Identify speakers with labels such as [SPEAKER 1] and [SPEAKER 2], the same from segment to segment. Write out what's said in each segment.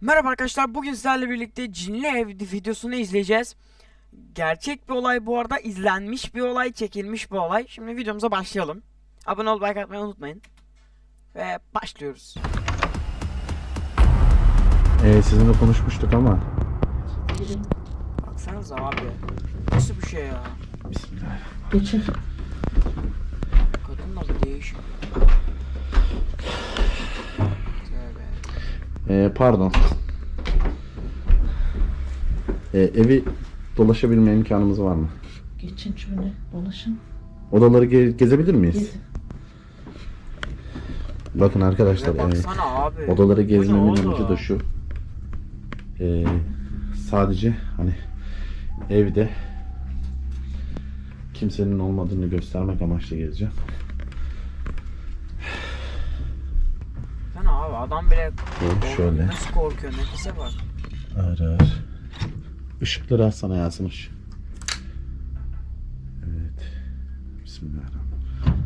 [SPEAKER 1] Merhaba arkadaşlar, bugün sizlerle birlikte Cinli Ev videosunu izleyeceğiz. Gerçek bir olay bu arada, izlenmiş bir olay, çekilmiş bir olay. Şimdi videomuza başlayalım. Abone olup like atmayı unutmayın. Ve başlıyoruz.
[SPEAKER 2] Sizinle konuşmuştuk ama.
[SPEAKER 1] Baksanıza abi. Nasıl bir şey ya?
[SPEAKER 2] Bismillah.
[SPEAKER 3] Geçin.
[SPEAKER 1] Kadın da bir değişik. Tövbe.
[SPEAKER 2] Pardon. Evi dolaşabilme imkanımız var mı?
[SPEAKER 3] Geçin şöyle dolaşın.
[SPEAKER 2] Odaları gezebilir miyiz?
[SPEAKER 3] Gezin.
[SPEAKER 2] Bakın arkadaşlar,
[SPEAKER 1] Ve baksana abi.
[SPEAKER 2] odaları
[SPEAKER 1] Bu ne
[SPEAKER 2] gezmemin
[SPEAKER 1] oğlum?
[SPEAKER 2] amacı da şu. Sadece hani evde kimsenin olmadığını göstermek amaçlı gezeceğim.
[SPEAKER 1] Sen abi adam bile
[SPEAKER 2] Şöyle.
[SPEAKER 1] nasıl korkuyor, nefese bak.
[SPEAKER 2] Ağır ağır. Işıkları açsana Yasin'miş. Evet. Bismillahirrahmanirrahim.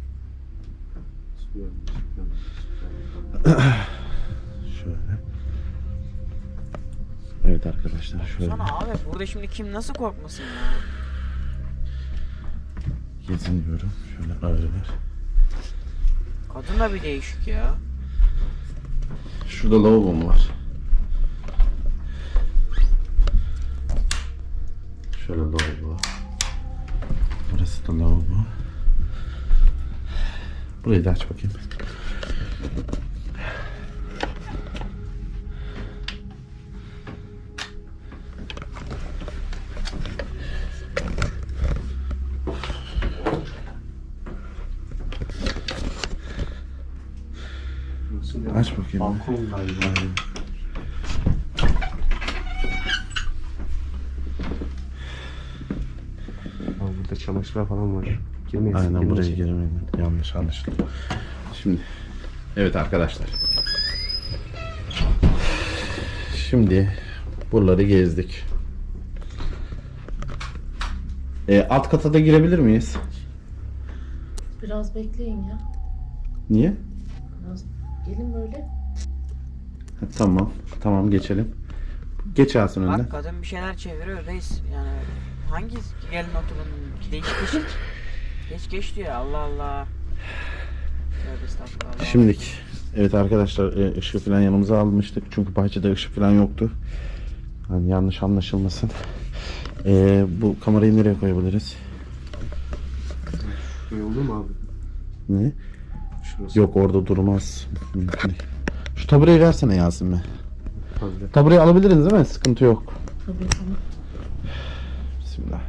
[SPEAKER 2] Şöyle. Evet arkadaşlar, şöyle
[SPEAKER 1] Sana abi burada şimdi kim nasıl korkmasın ya?
[SPEAKER 2] geziniyorum. Şöyle ağır ağır.
[SPEAKER 1] Kadın da bir değişik ya.
[SPEAKER 2] Şurada lavabom var. Şöyle lavabo. Burası da lavabo. Burayı da aç bakayım. Aç bakayım.
[SPEAKER 4] Balkon galiba. Abi burada çamaşırlar falan var. Girmeyiz.
[SPEAKER 2] Aynen, buraya giremedim. Yanlış anlaşıldı. Şimdi evet arkadaşlar. Şimdi buraları gezdik. Alt kata da girebilir miyiz?
[SPEAKER 3] Biraz bekleyin ya.
[SPEAKER 2] Niye?
[SPEAKER 3] Biraz gelin böyle.
[SPEAKER 2] Ha, tamam. Tamam, geçelim. Geç Yasin önden.
[SPEAKER 1] Bak kadın bir şeyler çeviriyor reis. Yani hangi gelin oturun değişik değişik. Geç diyor, Allah Allah. Tövbe estağfurullah.
[SPEAKER 2] Şimdilik. Evet arkadaşlar, ışığı falan yanımıza almıştık. Çünkü bahçede ışık falan yoktu. Yani yanlış anlaşılmasın. Bu kamerayı nereye koyabiliriz?
[SPEAKER 4] Şuraya olur mu abi?
[SPEAKER 2] Ne?
[SPEAKER 4] Şurası.
[SPEAKER 2] Yok, orada durmaz. Mümkün değil. Şu tabureyi versene Yasin be.
[SPEAKER 4] Fazla.
[SPEAKER 2] Tabureyi alabiliriz değil mi? Sıkıntı yok.
[SPEAKER 3] Tabii tamam.
[SPEAKER 2] Bismillah.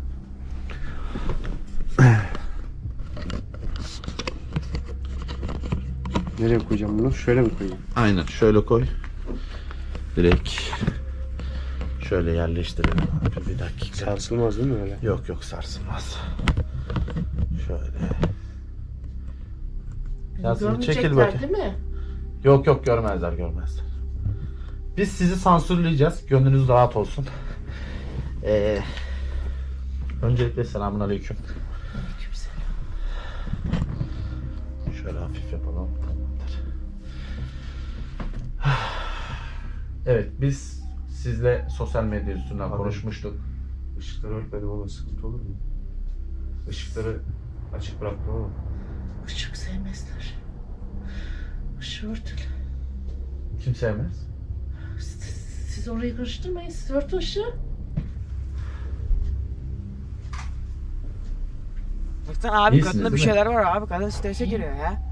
[SPEAKER 4] Nereye koyacağım bunu? Şöyle mi koyayım?
[SPEAKER 2] Aynen, şöyle koy. Direkt şöyle yerleştirelim. Bir dakika.
[SPEAKER 4] Sarsılmaz değil mi öyle?
[SPEAKER 2] Yok, sarsılmaz. Şöyle. Yasin,
[SPEAKER 3] Görmeyecekler
[SPEAKER 2] çekil bakayım.
[SPEAKER 3] değil mi?
[SPEAKER 2] Yok, görmezler. Biz sizi sansürleyeceğiz. Gönlünüz rahat olsun. Öncelikle selamünaleyküm.
[SPEAKER 3] Aleykümselam.
[SPEAKER 2] Şöyle hafif yapalım. Tamamdır. Evet, biz sizle sosyal medya üstünden
[SPEAKER 4] Abi.
[SPEAKER 2] konuşmuştuk.
[SPEAKER 4] Işıkları örtmedim ama sıkıntı olur mu? Işıkları açık bıraktım ama.
[SPEAKER 3] Işık sevmezler. Işığı örtün.
[SPEAKER 2] Kim sevmez?
[SPEAKER 3] Siz orayı karıştırmayın. Siz örtün ışığı.
[SPEAKER 1] Baksana abi,
[SPEAKER 2] İyisiniz,
[SPEAKER 1] kadında bir
[SPEAKER 2] değil mi?
[SPEAKER 1] şeyler var abi, kadın strese giriyor ya.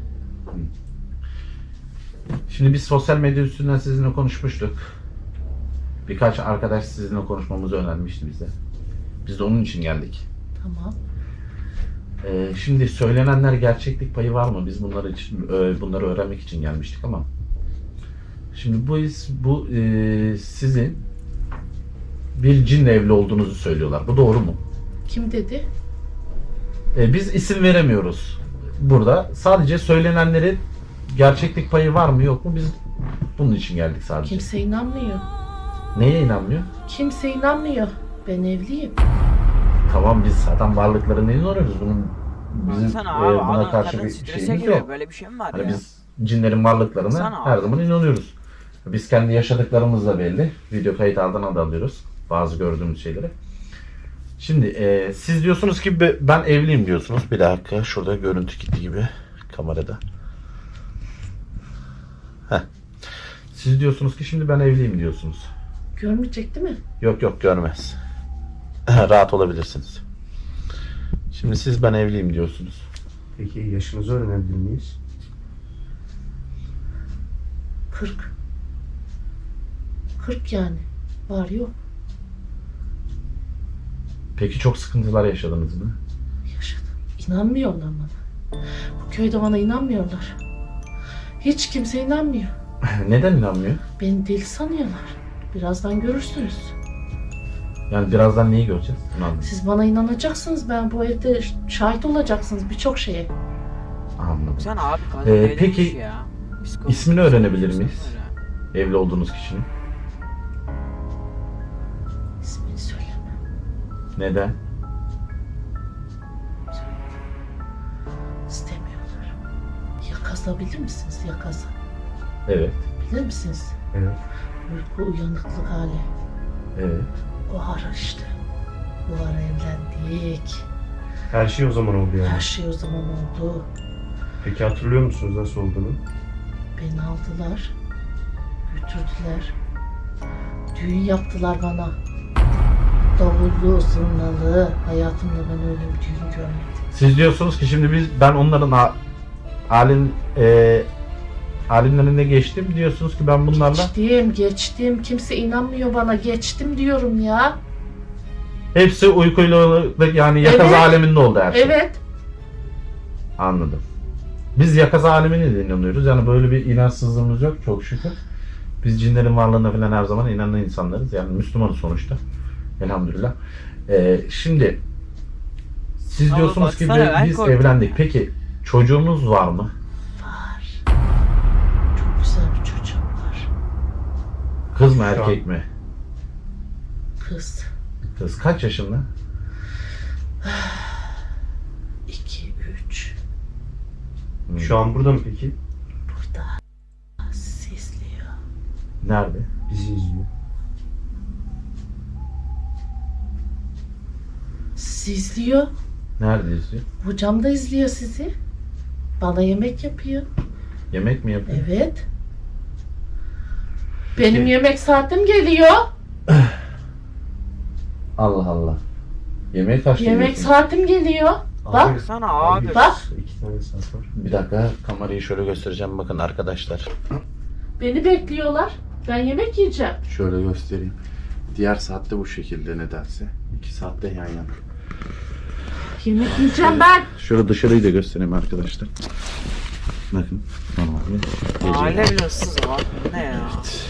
[SPEAKER 2] Şimdi biz sosyal medya üstünden sizinle konuşmuştuk. Birkaç arkadaş sizinle konuşmamızı önermişti bize. Biz de onun için geldik.
[SPEAKER 3] Tamam.
[SPEAKER 2] Şimdi söylenenler gerçeklik payı var mı? Biz bunları öğrenmek için gelmiştik ama. Şimdi bu sizin bir cinle evli olduğunuzu söylüyorlar. Bu doğru mu?
[SPEAKER 3] Kim dedi?
[SPEAKER 2] Biz isim veremiyoruz burada. Sadece söylenenlerin gerçeklik payı var mı yok mu? Biz bunun için geldik sadece.
[SPEAKER 3] Kimse inanmıyor.
[SPEAKER 2] Neye inanmıyor?
[SPEAKER 3] Kimse inanmıyor. Ben evliyim.
[SPEAKER 2] Tamam, biz zaten varlıklarına inanıyoruz. Bizim
[SPEAKER 1] Baksana abi,
[SPEAKER 2] buna
[SPEAKER 1] adam
[SPEAKER 2] karşı
[SPEAKER 1] kadın
[SPEAKER 2] bir
[SPEAKER 1] strese
[SPEAKER 2] şeyimiz
[SPEAKER 1] giriyor.
[SPEAKER 2] yok.
[SPEAKER 1] Böyle bir şey mi var
[SPEAKER 2] Hani
[SPEAKER 1] ya?
[SPEAKER 2] biz cinlerin varlıklarına
[SPEAKER 1] Baksana
[SPEAKER 2] her
[SPEAKER 1] abi.
[SPEAKER 2] zaman inanıyoruz. Biz kendi yaşadıklarımız da belli. Video kayıt ardına da alıyoruz bazı gördüğümüz şeyleri. Şimdi siz diyorsunuz ki ben evliyim diyorsunuz. Bir dakika, şurada görüntü gitti gibi kamerada. Heh. Siz diyorsunuz ki şimdi ben evliyim diyorsunuz.
[SPEAKER 3] Görmeyecek değil mi?
[SPEAKER 2] Yok yok, görmez. Rahat olabilirsiniz. Şimdi siz ben evliyim diyorsunuz.
[SPEAKER 4] Peki yaşınızı öğrenebilir miyiz?
[SPEAKER 3] 40. 40 yani. Var yok.
[SPEAKER 2] Peki çok sıkıntılar yaşadınız mı?
[SPEAKER 3] Yaşadım. İnanmıyorlar bana. Bu köyde bana inanmıyorlar. Hiç kimse inanmıyor.
[SPEAKER 2] Neden inanmıyor?
[SPEAKER 3] Beni deli sanıyorlar. Birazdan görürsünüz.
[SPEAKER 2] Yani birazdan neyi göreceğiz? Bunu anladım.
[SPEAKER 3] Siz bana inanacaksınız. Ben bu evde şahit olacaksınız birçok şeye.
[SPEAKER 2] Anladım.
[SPEAKER 1] Sen abi kadın öyle
[SPEAKER 2] peki,
[SPEAKER 1] demiş ya. Psikolog-
[SPEAKER 2] ismini öğrenebilir
[SPEAKER 1] Sen
[SPEAKER 2] miyiz?
[SPEAKER 1] öyle.
[SPEAKER 2] Evli olduğunuz kişinin.
[SPEAKER 3] İsmini söyleme.
[SPEAKER 2] Neden?
[SPEAKER 3] İstemiyorlar. Yakaza bilir misiniz? Yakaza.
[SPEAKER 2] Evet.
[SPEAKER 3] Bilir misiniz?
[SPEAKER 4] Evet.
[SPEAKER 3] Uyku uyanıklık hali.
[SPEAKER 2] Evet.
[SPEAKER 3] O ara işte. Bu ara evlendik.
[SPEAKER 4] Her şey o zaman oldu yani.
[SPEAKER 3] Her şey o zaman oldu.
[SPEAKER 4] Peki hatırlıyor musunuz nasıl olduğunu?
[SPEAKER 3] Beni aldılar. Götürdüler. Düğün yaptılar bana. Davullu, zurnalı. Hayatımda ben öyle bir düğün görmedim.
[SPEAKER 2] Siz diyorsunuz ki şimdi ben onların alimlerine geçtim. Diyorsunuz ki ben bunlarla
[SPEAKER 3] Geçtim. Kimse inanmıyor bana. Geçtim diyorum ya.
[SPEAKER 2] hepsi uykuyla, yani yakaza
[SPEAKER 3] Evet.
[SPEAKER 2] aleminde oldu her şey.
[SPEAKER 3] Evet.
[SPEAKER 2] Anladım. Biz yakaza alemine de inanıyoruz. Yani böyle bir inançsızlığımız yok çok şükür. Biz cinlerin varlığına falan her zaman inanan insanlarız. Yani Müslümanız sonuçta. Elhamdülillah. Şimdi siz
[SPEAKER 1] Ama
[SPEAKER 2] diyorsunuz ki
[SPEAKER 1] baksana, ben
[SPEAKER 2] biz
[SPEAKER 1] korktum
[SPEAKER 2] evlendik.
[SPEAKER 1] ya.
[SPEAKER 2] Peki çocuğumuz var mı?
[SPEAKER 3] Var. Çok güzel bir çocuğum var.
[SPEAKER 2] Kız mı
[SPEAKER 4] Şu
[SPEAKER 2] erkek mi?
[SPEAKER 3] Kız.
[SPEAKER 2] Kız kaç yaşında?
[SPEAKER 3] 2, 3.
[SPEAKER 4] Şu an burada mı peki?
[SPEAKER 3] Burada. Sizi izliyor.
[SPEAKER 2] Nerede?
[SPEAKER 4] Bizi izliyor.
[SPEAKER 3] Sizi izliyor.
[SPEAKER 2] Nerede izliyor?
[SPEAKER 3] Hocam da izliyor sizi. Bana yemek yapıyor.
[SPEAKER 2] Yemek mi yapıyor?
[SPEAKER 3] Evet. Benim
[SPEAKER 2] Peki.
[SPEAKER 3] yemek saatim geliyor.
[SPEAKER 2] Allah Allah. Yemeği kaçta
[SPEAKER 3] Yemek
[SPEAKER 2] yiyorsun?
[SPEAKER 3] saatim geliyor. Bak.
[SPEAKER 1] Sana abi.
[SPEAKER 3] Bak.
[SPEAKER 4] 2 tane saat var.
[SPEAKER 2] Bir dakika, kamerayı şöyle göstereceğim, bakın arkadaşlar.
[SPEAKER 3] Beni bekliyorlar. Ben yemek yiyeceğim.
[SPEAKER 2] Şöyle göstereyim. Diğer saatte bu şekilde nedense. 2 saatte yan yana.
[SPEAKER 3] Yemek yiyeceğim ben.
[SPEAKER 2] Şöyle dışarıyı da göstereyim arkadaşlar. Bakın. Normalde
[SPEAKER 1] Aile
[SPEAKER 2] gece.
[SPEAKER 1] bile ıssız var. Ne ya?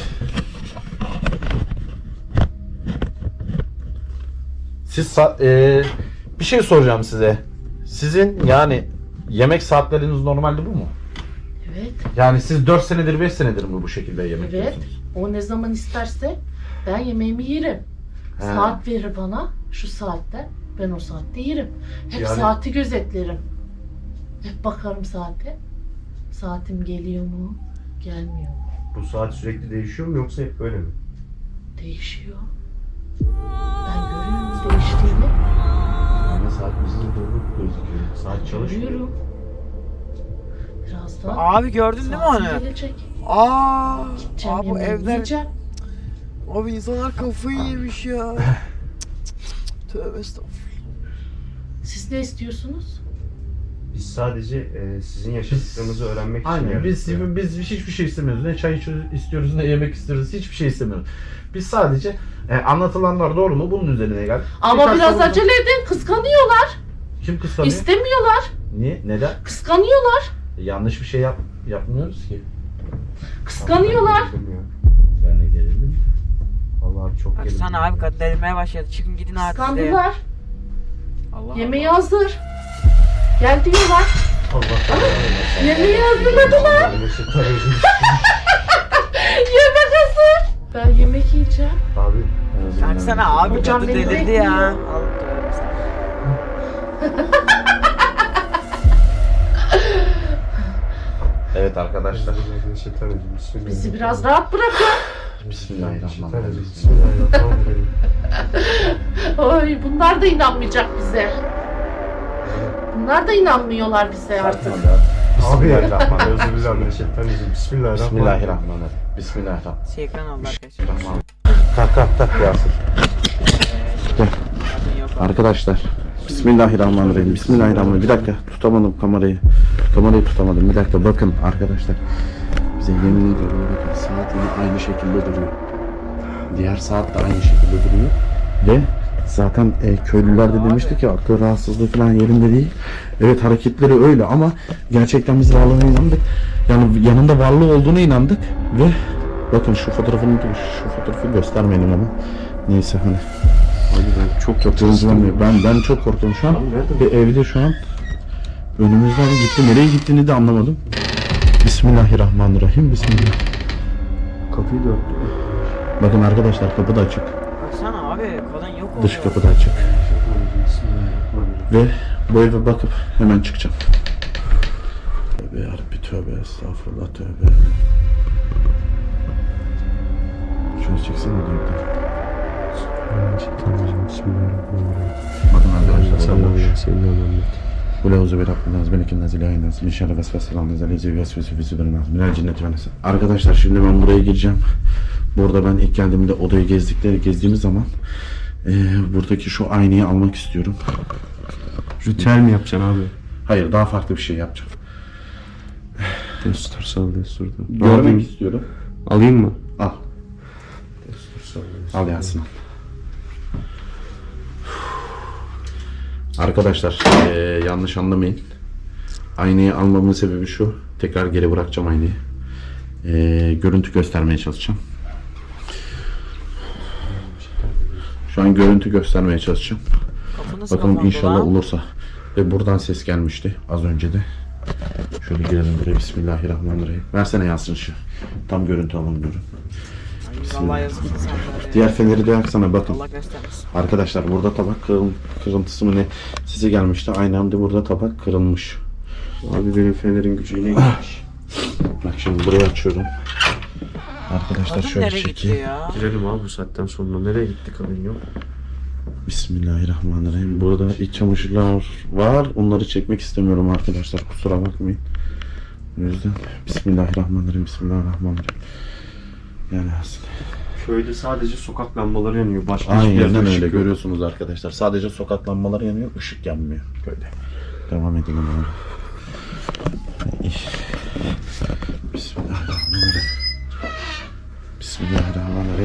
[SPEAKER 2] Siz bir şey soracağım size. Sizin yani yemek saatleriniz normalde bu mu?
[SPEAKER 3] Evet.
[SPEAKER 2] Yani siz 4 senedir 5 senedir mi bu şekilde yemek
[SPEAKER 3] Evet.
[SPEAKER 2] yiyorsunuz?
[SPEAKER 3] O ne zaman isterse ben yemeğimi yerim.
[SPEAKER 2] He.
[SPEAKER 3] Saat verir bana. Şu saatte. Ben o saatte yerim. Hep
[SPEAKER 2] Yani-
[SPEAKER 3] saati gözetlerim. Hep bakarım saate. Saatim geliyor mu? Gelmiyor mu?
[SPEAKER 4] Bu saat sürekli değişiyor mu yoksa hep böyle mi?
[SPEAKER 3] Değişiyor. Ben görüyorum değiştiğini.
[SPEAKER 2] Yani saatimizde doğru gözüküyor.
[SPEAKER 4] Saat çalışmıyor.
[SPEAKER 3] Görüyorum. Birazdan
[SPEAKER 1] Abi gördün değil mi
[SPEAKER 3] saatim
[SPEAKER 1] onu?
[SPEAKER 3] gelecek.
[SPEAKER 1] Aa,
[SPEAKER 3] Gideceğim
[SPEAKER 1] abi bu
[SPEAKER 3] yemeğimi
[SPEAKER 1] evler,
[SPEAKER 3] yiyeceğim.
[SPEAKER 1] abi insanlar kafayı yemiş ya. Tövbe estağfurullah.
[SPEAKER 3] Siz ne istiyorsunuz?
[SPEAKER 4] Biz sadece sizin yaşadıklarınızı öğrenmek için
[SPEAKER 2] Aynen, biz
[SPEAKER 4] geldik.
[SPEAKER 2] biz hiçbir şey istemiyoruz. Ne çay istiyoruz, ne yemek istiyoruz, hiçbir şey istemiyoruz. Biz sadece anlatılanlar doğru mu bunun üzerine geldik.
[SPEAKER 3] Ama
[SPEAKER 2] Birkaç
[SPEAKER 3] biraz
[SPEAKER 2] sorumuz-
[SPEAKER 3] acele edin. Kıskanıyorlar.
[SPEAKER 2] Kim kıskanıyor?
[SPEAKER 3] İstemiyorlar.
[SPEAKER 2] Niye? Neden?
[SPEAKER 3] Kıskanıyorlar.
[SPEAKER 2] Yanlış bir şey yapmıyoruz ki.
[SPEAKER 3] Kıskanıyorlar.
[SPEAKER 2] Ben de gerildim.
[SPEAKER 4] Vallahi çok gerildim.
[SPEAKER 1] Baksana abi kadın delirmeye başladı. Çıkın gidin artık de.
[SPEAKER 3] Kıskandılar.
[SPEAKER 1] Allah
[SPEAKER 3] Yemeği
[SPEAKER 1] Allah.
[SPEAKER 3] hazır. Gel diyorlar.
[SPEAKER 4] Allah
[SPEAKER 3] Yemeği hazırladılar. Yemek hazır. Ben yemek yiyeceğim.
[SPEAKER 4] Abi
[SPEAKER 1] Baksana abi
[SPEAKER 3] Hocam
[SPEAKER 1] kadın
[SPEAKER 3] beni
[SPEAKER 1] delirdi
[SPEAKER 3] bekliyor.
[SPEAKER 1] ya. Allah tövbe estağfurullah.
[SPEAKER 2] Evet Evet arkadaşlar.
[SPEAKER 3] Bizi biraz rahat bırakın.
[SPEAKER 2] Bismillahirrahmanirrahim.
[SPEAKER 4] Bismillahirrahmanirrahim.
[SPEAKER 3] Oy, bunlar da inanmayacak bize. Bunlar da inanmıyorlar bize artık.
[SPEAKER 4] Abi Bismillahirrahmanirrahim. Bismillahirrahmanirrahim.
[SPEAKER 2] Bismillahirrahmanirrahim. Bismillahirrahmanirrahim.
[SPEAKER 1] Şey ekran aldı arkadaşlar.
[SPEAKER 2] Kalk kalk kalk Yasir. Gel.
[SPEAKER 1] Zaten yok.
[SPEAKER 2] Arkadaşlar. Bismillahirrahmanirrahim. Bismillahirrahmanirrahim. Bir dakika tutamadım kamerayı. Kamerayı tutamadım. Bir dakika bakın arkadaşlar. Bize yemin ediyorum bakın saat yine aynı şekilde duruyor. Diğer saat de aynı şekilde duruyor. Ve zaten köylüler de demişti ki akıl rahatsızlığı falan yerinde değil. Evet hareketleri öyle ama gerçekten biz varlığına inandık. Yani yanında varlığı olduğuna inandık ve bakın şu fotoğrafı göstermeyelim ama neyse hani.
[SPEAKER 4] Abi ben çok
[SPEAKER 2] Hızlanmıyor. Ben çok korktum şu an. Ve evde şu an önümüzden gitti. Nereye gittiğini de anlamadım. Bismillahirrahmanirrahim. Bismillah.
[SPEAKER 4] Kapıyı da
[SPEAKER 2] Bakın arkadaşlar kapı da açık.
[SPEAKER 1] Baksana abi kadın yok oldu.
[SPEAKER 2] Dış kapı da açık.
[SPEAKER 4] Bismillahirrahmanirrahim.
[SPEAKER 2] Ve bu eve bakıp hemen çıkacağım. Tövbe yarabbi tövbe estağfurullah tövbe. Şunu çeksene diyor.
[SPEAKER 4] Bismillahirrahmanirrahim.
[SPEAKER 2] Bakın arkadaşlar.
[SPEAKER 4] Sallallahu senin anlamda.
[SPEAKER 2] Bu levzu bir Rabbimiz belikin nazil aynas min şerri vesveselan nezalezi vesvese fi sudurin minel cinneti ve nas. Arkadaşlar şimdi ben buraya gireceğim. Burada ben ilk geldiğimde odayı gezdiğimiz zaman buradaki şu aynayı almak istiyorum.
[SPEAKER 4] Ritüel mi yapacaksın abi?
[SPEAKER 2] Hayır daha farklı bir şey yapacağım.
[SPEAKER 4] Destur sal desturda.
[SPEAKER 2] Görmek istiyorum.
[SPEAKER 4] Alayım mı?
[SPEAKER 2] Al.
[SPEAKER 4] Destur sal
[SPEAKER 2] Al Yasin. Arkadaşlar yanlış anlamayın. Aynayı almamın sebebi şu. Tekrar geri bırakacağım aynayı. Görüntü göstermeye çalışacağım. Şu an görüntü göstermeye çalışacağım.
[SPEAKER 1] Kapı nasıl
[SPEAKER 2] Bakalım
[SPEAKER 1] kapandı
[SPEAKER 2] inşallah
[SPEAKER 1] lan?
[SPEAKER 2] olursa. Ve buradan ses gelmişti az önce de. Şöyle girelim buraya. Bismillahirrahmanirrahim. Versene Yasin şu. Tam görüntü alamıyorum.
[SPEAKER 1] Ay, vallahi yazık insanlara.
[SPEAKER 2] Diğer feneri de yaksana bakın.
[SPEAKER 1] Allah göstermesin.
[SPEAKER 2] Arkadaşlar burada tabak kırıntısı mı ne size gelmişti. Aynı anda burada tabak kırılmış.
[SPEAKER 4] Abi benim fenerin gücü yine gitmiş.
[SPEAKER 2] Bak şimdi burayı açıyorum. Arkadaşlar
[SPEAKER 1] Kadın
[SPEAKER 2] şöyle
[SPEAKER 1] nereye gitti
[SPEAKER 2] çekeyim.
[SPEAKER 1] ya?
[SPEAKER 4] Girelim abi bu saatten sonra. Nereye gitti kadın yok?
[SPEAKER 2] Bismillahirrahmanirrahim. Burada iç çamaşırlar var. Onları çekmek istemiyorum arkadaşlar. Kusura bakmayın. O yüzden Bismillahirrahmanirrahim. Bismillahirrahmanirrahim. Yani aslında.
[SPEAKER 4] Köyde sadece sokak lambaları yanıyor. Başka hiçbir yerde
[SPEAKER 2] Aynen
[SPEAKER 4] ışık
[SPEAKER 2] öyle
[SPEAKER 4] yok.
[SPEAKER 2] görüyorsunuz arkadaşlar. Sadece sokak lambaları yanıyor. Işık yanmıyor köyde. Devam edelim abi. Bismillahirrahmanirrahim. Bismillahirrahmanirrahim.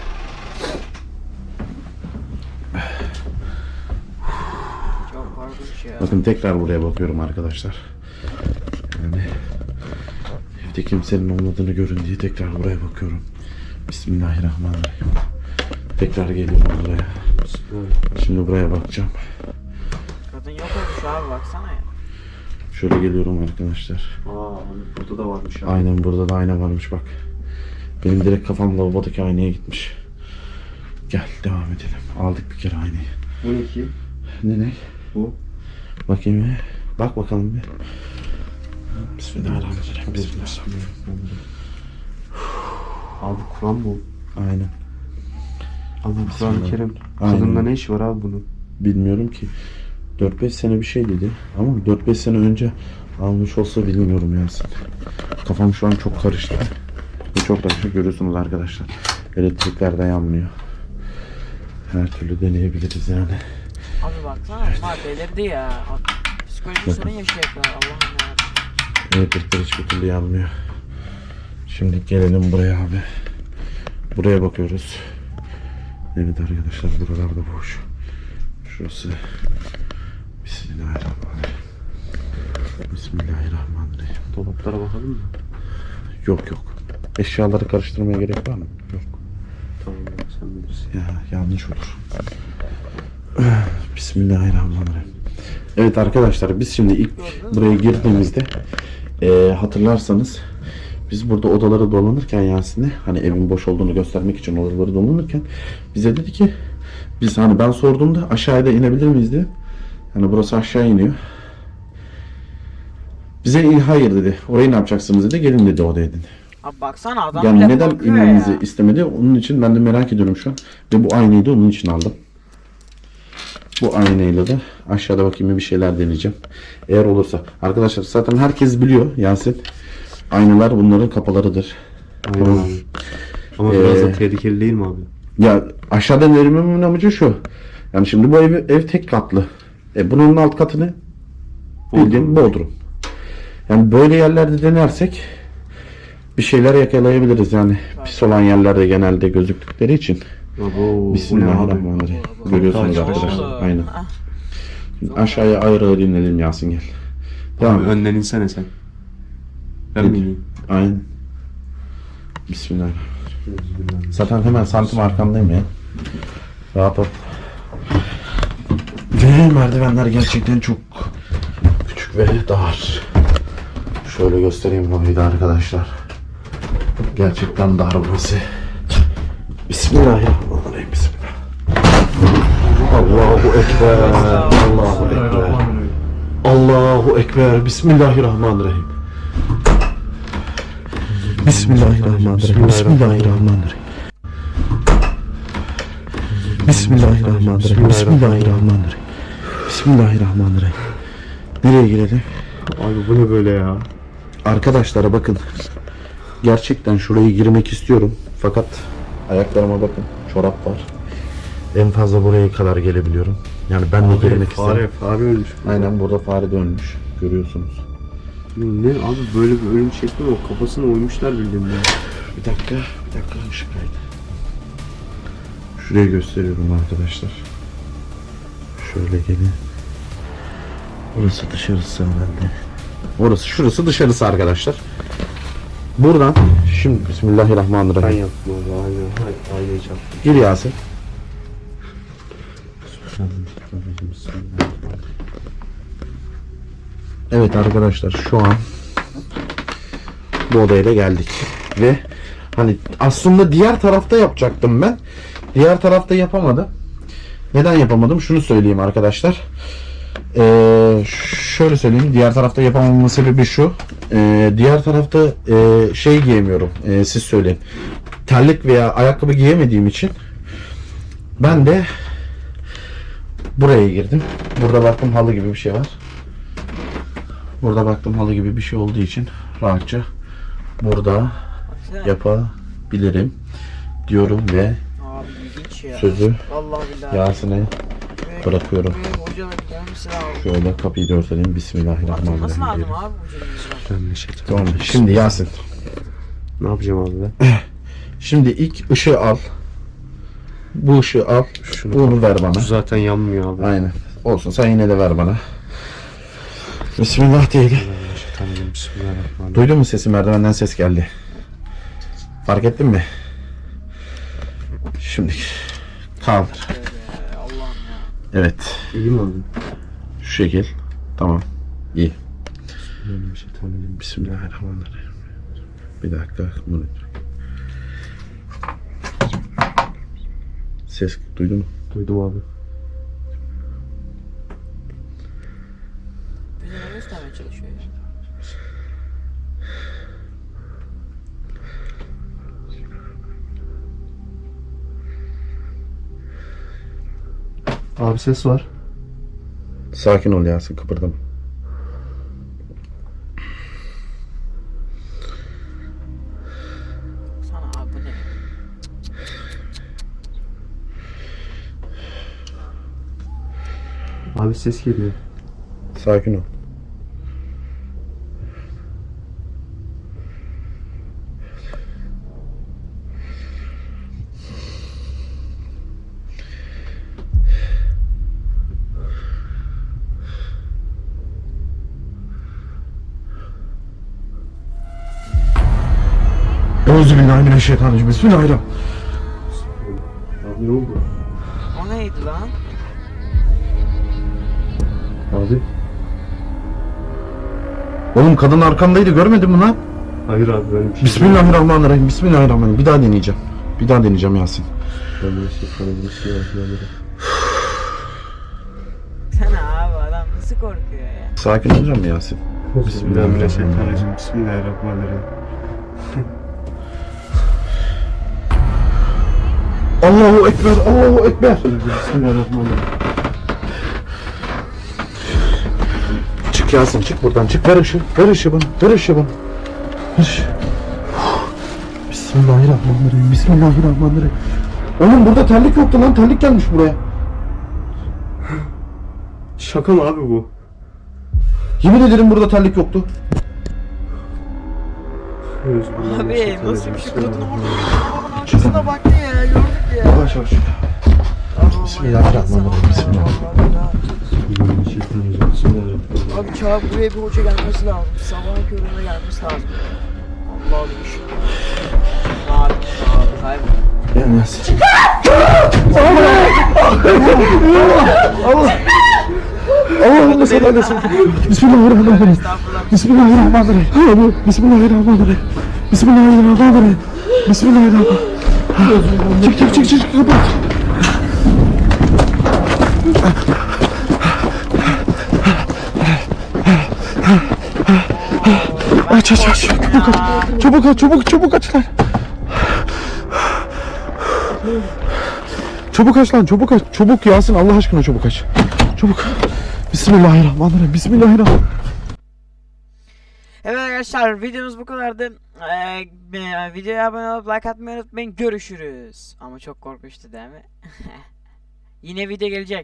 [SPEAKER 1] Çok korkunç ya.
[SPEAKER 2] Bakın tekrar buraya bakıyorum arkadaşlar. Yani evde kimsenin olmadığını görün diye tekrar buraya bakıyorum. Bismillahirrahmanirrahim. Tekrar geliyorum buraya.
[SPEAKER 4] Bismillahirrahmanirrahim.
[SPEAKER 2] Şimdi buraya bakacağım.
[SPEAKER 1] Kadın yok olmuş abi baksana ya.
[SPEAKER 2] Şöyle geliyorum arkadaşlar.
[SPEAKER 4] Aa abi burada da varmış abi.
[SPEAKER 2] Aynen burada da ayna varmış bak. Benim direkt kafam lavabodaki aynaya gitmiş. Gel devam edelim. Aldık bir kere aynayı.
[SPEAKER 4] Bu ne ki?
[SPEAKER 2] Ne?
[SPEAKER 4] Bu.
[SPEAKER 2] Bakayım bir. Bak bakalım bir. Bismillahirrahmanirrahim.
[SPEAKER 4] Bismillahirrahmanirrahim. Abi Kur'an bu.
[SPEAKER 2] Aynen.
[SPEAKER 4] Abi Kur'an-ı Kerim.
[SPEAKER 2] Aynen.
[SPEAKER 4] Kadınla ne işi var abi bunun?
[SPEAKER 2] Bilmiyorum ki. 4-5 sene bir şey dedi. Ama 4-5 sene önce almış olsa bilmiyorum Yasin. Kafam şu an çok karıştı. Çok karışık görüyorsunuz arkadaşlar. Elektrikler de yanmıyor. Her türlü deneyebiliriz yani.
[SPEAKER 1] Abi baksana bunlar delirdi ya. Psikolojik sorun yaşayacaklar Allah'ım ya.
[SPEAKER 2] Elektrikler hiçbir türlü yanmıyor. Şimdi gelelim buraya abi. Buraya bakıyoruz. Evet arkadaşlar buralarda boş. Şurası. Bismillahirrahmanirrahim. Bismillahirrahmanirrahim.
[SPEAKER 4] Dolaplara bakalım mı?
[SPEAKER 2] Yok. Eşyaları karıştırmaya gerek var mı? Yok.
[SPEAKER 4] Tamam ya sen bilirsin.
[SPEAKER 2] Ya yanlış olur. Bismillahirrahmanirrahim. Evet arkadaşlar biz şimdi ilk buraya girdiğimizde hatırlarsanız biz burada odaları dolanırken Yasin'e hani evin boş olduğunu göstermek için odaları dolanırken bize dedi ki biz hani ben sorduğumda aşağıya da inebilir miyiz diye. Hani burası aşağı iniyor. Bize hayır dedi. Orayı ne yapacaksınız dedi. Gelin dedi odaya dedi.
[SPEAKER 1] Abi baksana adam
[SPEAKER 2] Yani
[SPEAKER 1] bile
[SPEAKER 2] neden
[SPEAKER 1] korkuyor
[SPEAKER 2] inmemizi
[SPEAKER 1] ya.
[SPEAKER 2] istemedi? Onun için ben de merak ediyorum şu an. Ve bu aynayı da onun için aldım. Bu aynayla da aşağıda bakayım bir şeyler deneyeceğim. Eğer olursa. Arkadaşlar zaten herkes biliyor Yasin. Aynalar bunların kapılarıdır.
[SPEAKER 4] Aynen
[SPEAKER 2] Tamam.
[SPEAKER 4] abi. Ama biraz da
[SPEAKER 2] Ee,
[SPEAKER 4] tehlikeli değil mi abi?
[SPEAKER 2] Ya aşağıdan verilmemin amacı şu. Yani şimdi bu ev tek katlı. Bunun alt katını bildiğin Bodrum. Yani böyle yerlerde denersek bir şeyler yakalayabiliriz yani. Pis olan yerlerde genelde gözüktükleri için.
[SPEAKER 4] Abo,
[SPEAKER 2] Bismillahirrahmanirrahim. Görüyorsunuz
[SPEAKER 4] Kapı
[SPEAKER 2] arkadaşlar.
[SPEAKER 1] Oğlum.
[SPEAKER 2] Aynen.
[SPEAKER 1] Ah,
[SPEAKER 2] Şimdi aşağıya ağır ağır inelim Yasin gel. Tamam.
[SPEAKER 4] Abi önden insene sen. Ben mi ineyim?
[SPEAKER 2] Aynen. Bismillahirrahmanirrahim. Zaten hemen santim arkandayım ya. Rahat ol. Ve merdivenler gerçekten çok küçük ve dar. Şöyle göstereyim burayı da arkadaşlar. Gerçekten dar burası. Bismillahirrahmanirrahim. Bismillah. Allahu Ekber. Allahu Ekber. Allahu Ekber. Bismillahirrahmanirrahim. Bismillahirrahmanirrahim. Bismillahirrahmanirrahim. Bismillahirrahmanirrahim. Bismillahirrahmanirrahim. Bismillahirrahmanirrahim. Nereye girelim?
[SPEAKER 4] Abi bu ne böyle ya?
[SPEAKER 2] Arkadaşlara bakın. Gerçekten şuraya girmek istiyorum. Fakat ayaklarıma bakın. Çorap var. En fazla buraya kadar gelebiliyorum. Yani ben de girmek isterim.
[SPEAKER 4] Fare ölmüş.
[SPEAKER 2] Aynen burada fare dönmüş. Görüyorsunuz.
[SPEAKER 4] Ne abi böyle bir ölüm şekli mi? O kafasına oymuşlar bildiğin.
[SPEAKER 2] Bir dakika ışık kaydı. Şuraya gösteriyorum arkadaşlar. Şöyle gelin. Orası dışarısı herhalde. Şurası dışarısı arkadaşlar. Buradan şimdi
[SPEAKER 4] Ben
[SPEAKER 2] Bismillahirrahmanirrahim.
[SPEAKER 4] yaptım abi. Aynayı çarptım.
[SPEAKER 2] Gir Yasin. Evet arkadaşlar şu an bu odaya da geldik. Ve hani aslında diğer tarafta yapacaktım ben. Diğer tarafta yapamadım. Neden yapamadım? Şunu söyleyeyim arkadaşlar. Şöyle söyleyeyim. Diğer tarafta yapamamamın sebebi şu. Diğer tarafta şey giyemiyorum. Siz söyleyin. Terlik veya ayakkabı giyemediğim için ben de buraya girdim. Burada baktım halı gibi bir şey var. Burada baktım halı gibi bir şey olduğu için rahatça burada
[SPEAKER 1] baksana.
[SPEAKER 2] yapabilirim diyorum ve
[SPEAKER 1] Abi ilginç ya.
[SPEAKER 2] sözü
[SPEAKER 1] Vallahi billahi.
[SPEAKER 2] Yasin'e bırakıyorum.
[SPEAKER 1] Hocanın gider misin abi?
[SPEAKER 2] Şöyle kapıyı da örtelim.
[SPEAKER 1] Atılması
[SPEAKER 2] Bismillahirrahmanirrahim
[SPEAKER 1] lazım
[SPEAKER 2] diyelim.
[SPEAKER 1] abi hocanın.
[SPEAKER 4] Ben de şey
[SPEAKER 2] Tamam. Şimdi Yasin.
[SPEAKER 4] Ne yapacağım abi ben?
[SPEAKER 2] Şimdi ilk ışığı al. Bu ışığı al. Bunu ver bana.
[SPEAKER 4] Bu zaten yanmıyor abi.
[SPEAKER 2] Aynen. Olsun sen yine de ver bana. Bismillah diyelim.
[SPEAKER 4] Bismillahirrahmanirrahim.
[SPEAKER 2] Duydun mu sesi? Merdivenden ses geldi. Fark ettin mi? Şimdi kaldır.
[SPEAKER 1] Allah'ım ya.
[SPEAKER 2] Evet.
[SPEAKER 4] İyi mi abi?
[SPEAKER 2] Şu şekil. Tamam. İyi.
[SPEAKER 4] Bismillahirrahmanirrahim.
[SPEAKER 2] Bismillahirrahmanirrahim. Bir dakika. Bunu... Ses duydun mu?
[SPEAKER 4] Duydum abi.
[SPEAKER 1] Bize ne göstermeye çalışıyor ya?
[SPEAKER 4] Abi ses var.
[SPEAKER 2] Sakin ol Yasin, kıpırdama.
[SPEAKER 1] Sana abi bu ne?
[SPEAKER 4] Abi ses geliyor.
[SPEAKER 2] Sakin ol. Euzubillahimineşşeytanirracim. Bismillahirrahmanirrahim.
[SPEAKER 4] Abi ne oldu?
[SPEAKER 1] O neydi lan?
[SPEAKER 4] Abi.
[SPEAKER 2] Oğlum kadın arkamdaydı, görmedin mi lan?
[SPEAKER 4] Hayır abi böyle bir şey.
[SPEAKER 2] Bismillahirrahmanirrahim. Bismillahirrahmanirrahim. Bir daha deneyeceğim. Bir daha deneyeceğim Yasin.
[SPEAKER 4] Bismillahirrahmanirrahim.
[SPEAKER 1] Sana abi adam nasıl korkuyor ya?
[SPEAKER 2] Sakin olacağım mı Yasin?
[SPEAKER 4] Bismillahirrahmanirrahim. Bismillahirrahmanirrahim.
[SPEAKER 2] Allahu Ekber, Allahu Ekber.
[SPEAKER 4] Bismillahirrahmanirrahim.
[SPEAKER 2] Çık Yasin, çık buradan, çık. Ver ışığı, ver ışığı bana, ver ışığı bana. Ver ışığı. Bismillahirrahmanirrahim, Bismillahirrahmanirrahim. Oğlum burada terlik yoktu lan, terlik gelmiş buraya.
[SPEAKER 4] Şaka mı abi bu?
[SPEAKER 2] Yemin ederim burada terlik yoktu.
[SPEAKER 1] Abi nasıl bir şey kadın orada arkasına baktı ya gördük ya.
[SPEAKER 2] Yavaş yavaş. Bismillahirrahmanirrahim,
[SPEAKER 4] Bismillahirrahmanirrahim.
[SPEAKER 1] Abi çağ buraya bir hoca gelmesi lazım. Sabahın köründe gelmesi lazım. Allah'ım bir şey. Abi kaybol.
[SPEAKER 2] Gel Yasin. Allah'ım sen öylesin. Bismillahirrahmanirrahim.
[SPEAKER 1] Estağfurullah.
[SPEAKER 2] Bismillahirrahmanirrahim. Bismillahirrahmanirrahim. Bismillahirrahmanirrahim. Bismillahirrahmanirrahim. Çık kapat. Aç. Çabuk aç lan. Çabuk aç lan, çabuk aç. Çabuk Yasin, Allah aşkına çabuk aç. Çabuk. Bismillahirrahmanirrahim.
[SPEAKER 1] Evet arkadaşlar videomuz bu kadardı. Videoya abone olup like atmayı unutmayın. Görüşürüz. Ama çok korkunçtu değil mi? Yine video gelecek.